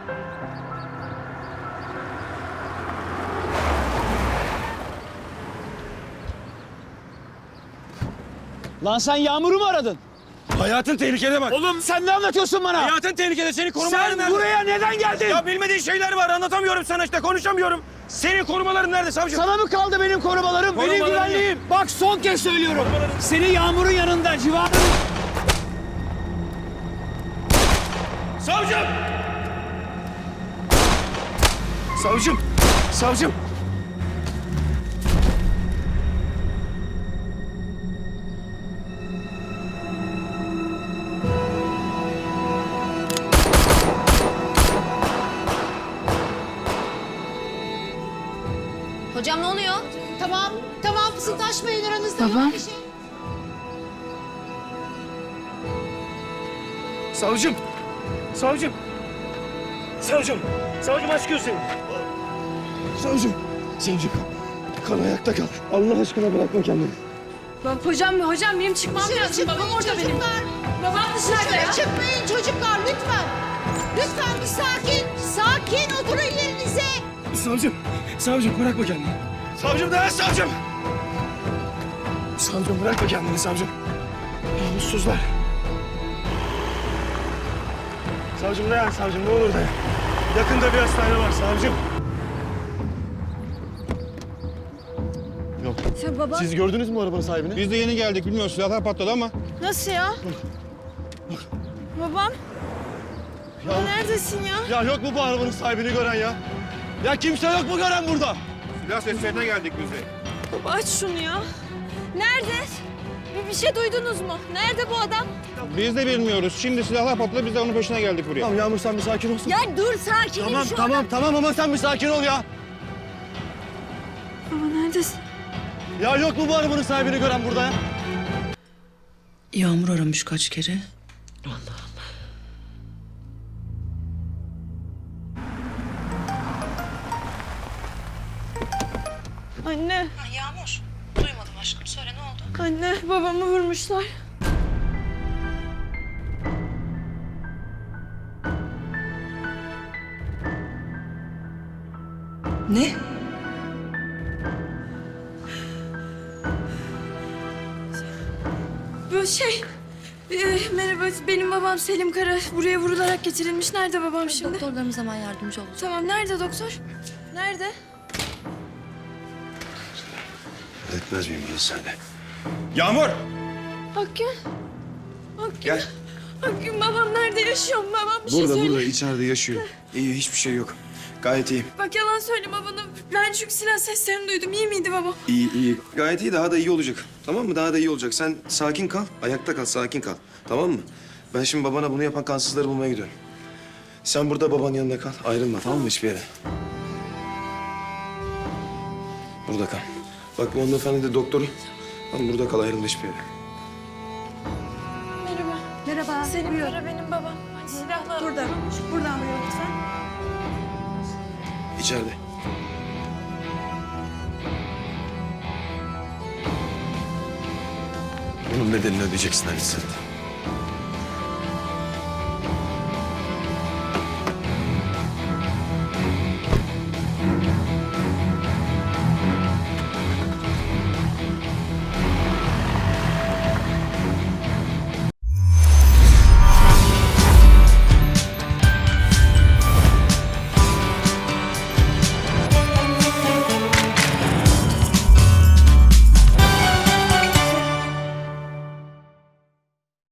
Lan sen Yağmur'u mu aradın? Hayatın tehlikede bak. Oğlum sen ne anlatıyorsun bana? Hayatın tehlikede. Seni korumaların Sen nerede? buraya neden geldin? Ya bilmediğin şeyler var. Anlatamıyorum sana işte. Konuşamıyorum. Senin korumaların nerede savcım? Sana mı kaldı benim korumalarım, benim Korumalarım güvenliğim? Bak son kez söylüyorum. Seni Yağmur'un yanında, civarında... Savcım! Savcım! Savcım! Hocam ne oluyor? Tamam fısıldaşmayın aranızda. Babam. Yok bir şey. Savcım! Savcım! Savcım! Savcım aç gözlerini. Savcım! Savcım! Kal ayakta kal. Allah aşkına bırakma kendini. Hocam benim çıkmam lazım. Babam orada benim. Çocuklar. Babam dışarıda ya. Dışarı çıkmayın çocuklar lütfen. Lütfen bir sakin. Sakin oturun yerinize. Savcım! Savcım bırakma kendini. Savcım dayan savcım! Savcım bırakma kendini savcım. Namussuzlar. Savcım dayan savcım ne olur dayan. Yakında bir hastane var savcım. Yok. Sen baba. Siz gördünüz mü arabanın sahibini? Biz de yeni geldik. Bilmiyoruz silahlar patladı ama. Nasıl ya? Babam. Ya, Neredesin ya? ya yok mu bu arabanın sahibini gören ya? Ya kimse yok mu gören burada? Silah seslerine geldik biz de. Baba aç şunu ya. Nerede? Bir şey duydunuz mu? Nerede bu adam? Biz de bilmiyoruz. Şimdi silahlar patladı. Biz de onun peşine geldik buraya. Tamam Yağmur sen bir sakin olsun. Ya dur sakinim şu an. Tamam ama sen bir sakin ol ya. Baba neredesin? Ya yok mu bu arabanın sahibini gören burada ya? Yağmur aramış kaç kere. Anne. Yağmur. Duymadım aşkım. Söyle ne oldu? Anne babamı vurmuşlar. Ne? Bu merhaba benim babam Selim Kara buraya vurularak getirilmiş. Nerede babam şimdi? Doktorlarımız hemen yardımcı olacak. Tamam nerede doktor? Nerede? Etmez miyim burası sende? Yağmur! Akgün. Akgün. Gel. Akgün babam nerede yaşıyor mu? Babam bir şey söyle. Burada içeride yaşıyor. İyi hiçbir şey yok. Gayet iyi. Bak yalan söyleme bana. Ben çünkü silah seslerini duydum. İyi miydi babam? İyi. Gayet iyi. Daha da iyi olacak. Tamam mı? Daha da iyi olacak. Sen sakin kal. Ayakta kal. Sakin kal. Tamam mı? Ben şimdi babana bunu yapan kansızları bulmaya gidiyorum. Sen burada babanın yanında kal. Ayrılma tamam mı hiçbir yere? Burada kal. Bak bu hanımefendi de doktoru. Tamam burada kal. Ayrılma hiçbir yere. Merhaba. Merhaba. Selim Kara benim babam. Silahla. Burada. Buradan buyurun lütfen. İçeride. Bunun bedelini ödeyeceksin Ali Sırrı.